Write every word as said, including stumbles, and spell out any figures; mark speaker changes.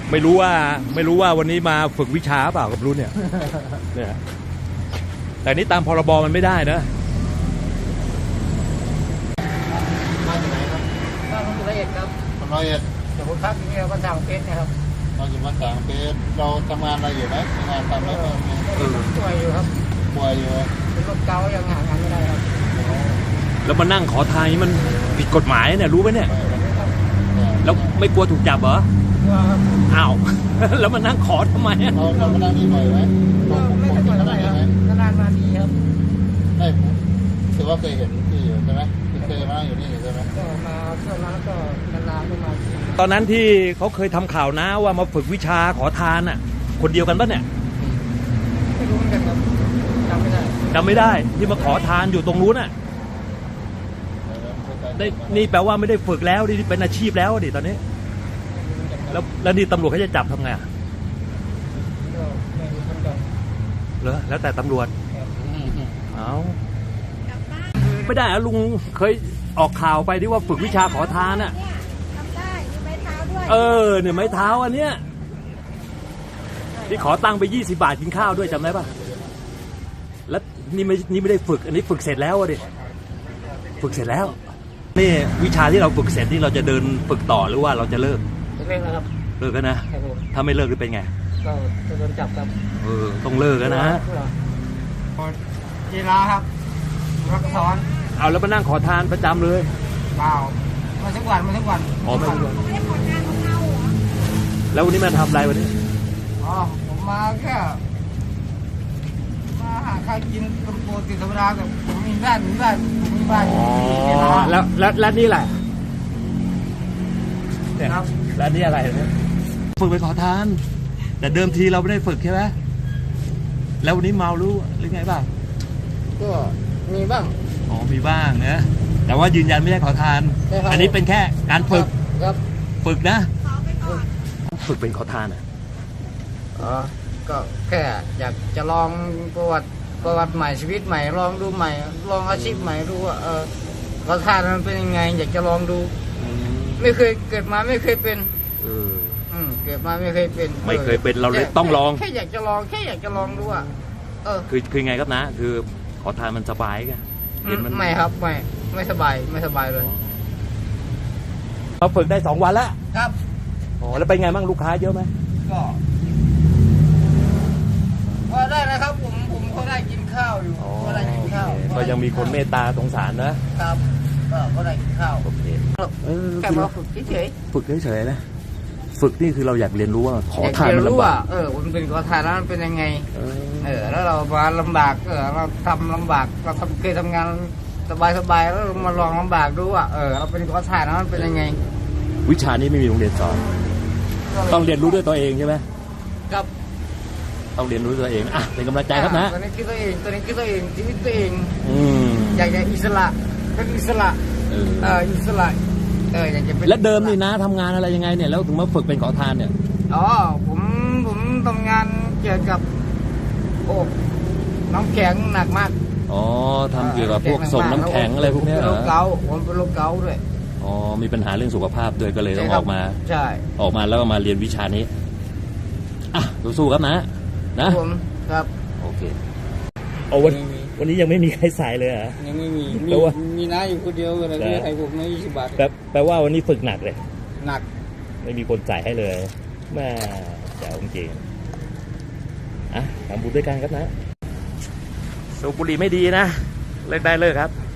Speaker 1: ไม่รู้ว่าไม่รู้ว่าวันนี้มาฝึกวิชาเปล่ากับรุ่นเนี่ยเนี่ยแต่นี้ตามพรบมันไม่ได้นะ
Speaker 2: มาจากไหนครับบ้านผมละเอียดครับละเอียดแต่ผมพักที่นี่ก็ต่างเพชรนะครับเราอยู่มาต่างเพชรเราทำงานอะไรอยู่ไหมงานทำอะไรบ้างป่วยอยู่ครับป่วยอยู่เป็นโรคเกาต์ยังหางานไม่ได้ครับ
Speaker 1: แล้วมานั่งขอทานนี้มันผิดกฎหมายเนี่ยรู้ไหมเนี่ยแล้วไม่กลัวถูกจับเหรออ้าวแล้วมานั่งขอทำไม
Speaker 2: เราเรามานั่งนี่บ่อยไหมไม่ค่อยบ่อยเท่าไหร่ครับนานๆมาทีครับไม่ถือว่าเคยเห็นที่อยู่ใช่ไหมเคยมานั่งอยู่นี่ใช่ไหมก็มาช่วงนั้นก็นานๆก็มา
Speaker 1: ตอนนั้นที่เขาเคยทำข่าวนะว่ามาฝึกวิชาขอทานอ่ะคนเดียวกันปะเนี่ย
Speaker 2: ไม่รู้เหมือนกันครับจำไม่ได้
Speaker 1: จำไม่ได้ที่มาขอทานอยู่ตรงนู้นอ่ะได้นี่แปลว่าไม่ได้ฝึกแล้วนี่เป็นอาชีพแล้วดิตอนนี้แล้วแล้วนี่ตำรวจเขาจะจับทำไงเหรอแล้วแต่ตำรวจเอาไม่ได้อะลุงเคยออกข่าวไปที่ว่าฝึกวิชาขอทานอ่ะ
Speaker 3: ทำได้มีไม้เท้าด้วย
Speaker 1: เออเนี่ยไม้เท้าอันเนี้ยที่ขอตังค์ไปยี่สิบบาทกินข้าวด้วยจำได้ปะแล้วนี่ไม่นี่ไม่ได้ฝึกอันนี้ฝึกเสร็จแล้วดิฝึกเสร็จแล้วนี่วิชาที่เราฝึกเสร็จนี่เราจะเดินฝึกต่อหรือว่าเราจะเลิก
Speaker 2: เลิกแล้วครับ
Speaker 1: เลิกกันนะถ้าไม่เลิกจะเป็นไง
Speaker 2: ก็จะโดนจับครับ
Speaker 1: เออต้องเลิกกันนะ
Speaker 2: กีฬาครับรักซ้อน
Speaker 1: เอาแล้วมานั่งขอทานประจำเลย
Speaker 2: เปล่ามาทุกวันมาทุกวัน
Speaker 1: อ๋อไม่ทุกวัน
Speaker 3: ไม่ได้ขอทานของเราเหรอ
Speaker 1: แล้ววันนี้มาทำอะไรวันนี้
Speaker 2: อ๋อผมมาแค่มาหาข้าวกินเป็นปกติธรรมดาแต่ผมมีบ้านมีบ้านมีบ้าน
Speaker 1: อ๋อแล้วแล้วแล้วนี่แหละเนี่ยแล้วนี่อะไรเนี่ยฝึกไปขอทานแต่เดิมทีเราไม่ได้ฝึกใช่ไหมแล้ววันนี้เมารู้หรือไงบ้าง
Speaker 2: ก็มีบ้าง
Speaker 1: อ๋อมีบ้างนะแต่ว่ายืนยันไม่ได้ขอทานอันนี้เป็นแค่การฝึก
Speaker 2: ครับ
Speaker 1: ฝึกนะฝึกเป็นขอทานอ่ะ
Speaker 2: อ๋อก็แค่อยากจะลองประวัติประวัติใหม่ชีวิตใหม่ลองดูใหม่ลองอาชีพใหม่ดูว่าเออขอทานมันเป็นยังไงอยากจะลองดูไม่เคยเกิดมาไม่เคยเป็น
Speaker 1: เออ
Speaker 2: อืมเกิดมาไม่เคยเป็น
Speaker 1: ไม่เคยเป็นเราเลยต้องลอง
Speaker 2: แค่อยากจะลองแค่อยากจะลองดูอ่ะเออ
Speaker 1: คือคือไงครับนะคือขอทานมันสบายกัน
Speaker 2: เห็นมันไม่ครับไม่ไม่สบายไม่สบายเลย
Speaker 1: เราฝึกได้สองวันแล้ว
Speaker 2: ครับ
Speaker 1: อ๋อแล้วเป็นไงบ้างลูกค้าเยอะไหม
Speaker 2: ก็ก็ได้นะครับผมผมก็ได้กินข้าวอยู่ก็ได้กินข้าว
Speaker 1: ก็ยังมีคนเมตตาสงสารนะครับ
Speaker 2: ก็ก็ได้กินข้าว
Speaker 1: โอเค
Speaker 2: แค่มาฝึกเฉย
Speaker 1: ฝึกเฉยๆนะฝึกนี่คือเราอยากเรียนรู้ว่าขอทานมันลำบาก
Speaker 2: เออมันเป็นขอทานแล้วมันเป็นยังไงเออแล้วเรามาลำบากเออเราทำลำบากเราทำเคยทำงานสบายๆแล้วมาลองลำบากดูว่าเออเราเป็นขอทานแล้วมันเป็นยังไง
Speaker 1: วิชานี้ไม่มีโรงเรียนสอนต้องเรียนรู้ด้วยตัวเองใช่ไหม
Speaker 2: ครับ
Speaker 1: ต้องเรียนรู้ตัวเองอ่ะเป็นกำลังใจครับนะ
Speaker 2: ตัวนี้คิดตัวเองตัวนี้คิดตัวเองชีวิตตัวเอง
Speaker 1: อืม
Speaker 2: อยากจะอิสระเป็นอิสระเอออิสระเอออยากจะเป็น
Speaker 1: แล้วเดิมนี่นะทำงานอะไรยังไงเนี่ยแล้วถึงมาฝึกเป็นขอทานเนี่ย
Speaker 2: อ๋อผมผมทำงานเกี่ยวกับโอ้น้ำแข็งหนักมาก
Speaker 1: อ๋อทำเกี่ยวกับพวกส่งน้ำแข็งอะไรพวกนี้เหรอ
Speaker 2: โรคเกาต์ผมเป็นโรคเกาต์ด้วย
Speaker 1: อ๋อมีปัญหาเรื่องสุขภาพด้วยก็เลยต้องออกมา
Speaker 2: ใช่
Speaker 1: ออกมาแล้วก็มาเรียนวิชานี้อ่ะสู้ๆครับนะนะ
Speaker 2: ผมครับ
Speaker 1: โอเคเอาวันวันนี้ยังไม่มีใครใส่เลยอ่ะ
Speaker 2: ยังไม่มีมีมีน้าอยู่คนเดียวเลยที่ใครผมไม่ยี่สิบบาท
Speaker 1: แปลแปลว่าวันนี้ฝึกหนักเลย
Speaker 2: หนัก
Speaker 1: ไม่มีคนจ่ายให้เลยแม่แจ๋วจริงอ่ะทำบุญด้วยกันครับนะสูบบุหรี่ไม่ดีนะเลิกได้เลิกครับ